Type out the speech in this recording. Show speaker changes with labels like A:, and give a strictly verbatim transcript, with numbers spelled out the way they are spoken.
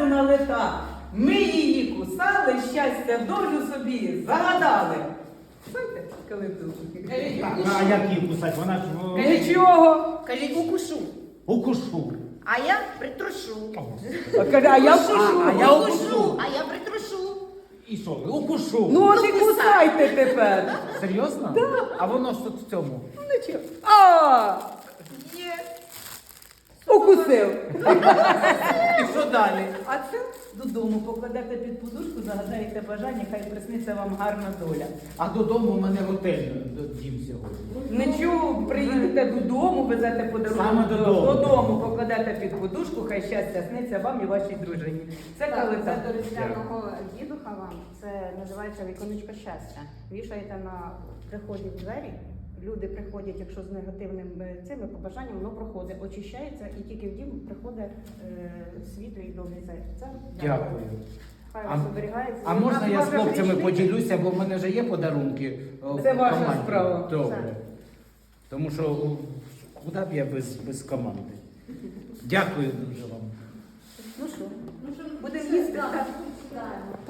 A: налета. Ми її кусали, щастя, долю собі загадали. Знаєте, калиту?
B: А як її кусать? Вона ж о,
A: Нічого.
C: Кажіть, укушу.
B: укушу.
C: А я притрушу.
A: А каже, а я вкушу.
B: А я
C: Укушу, а я притрушу.
B: І що? Укушу.
A: Ну от і
C: Ну, кусай.
A: кусайте тепер.
B: Серйозно? Так. А воно ж тут в цьому.
A: Ну нічого. А,
C: Є.
A: укусив.
B: І що далі?
A: А це додому покладете під подушку, загадаєте бажання, хай присниться вам гарна доля.
B: А додому у мене готель дім сьогодні.
A: Нічого, приїдете додому, везете подарунок
B: Саме додому.
A: додому, покладете під подушку, хай щастя сниться вам і вашій дружині. Це
D: Так,
A: калита.
D: це до різдвяного дідуха вам. Це називається віконечко щастя. Вішаєте на приході в двері. Люди приходять, якщо з негативним е, цими побажанням, воно проходить, очищається і тільки в дім приходить е, світло і добрі це.
B: Дякую.
D: Хай
B: А-
D: вас оберігається.
B: А можна я з
A: ваша
B: хлопцями
A: річниця?
B: поділюся, бо в мене вже є подарунки. о,
A: Це
B: в
A: ваша
B: команді.
A: справа.
B: Добре.
D: Все.
B: Тому що о, куди б я без, без команди? Дякую дуже вам.
D: Ну що, будемо їсти. Так.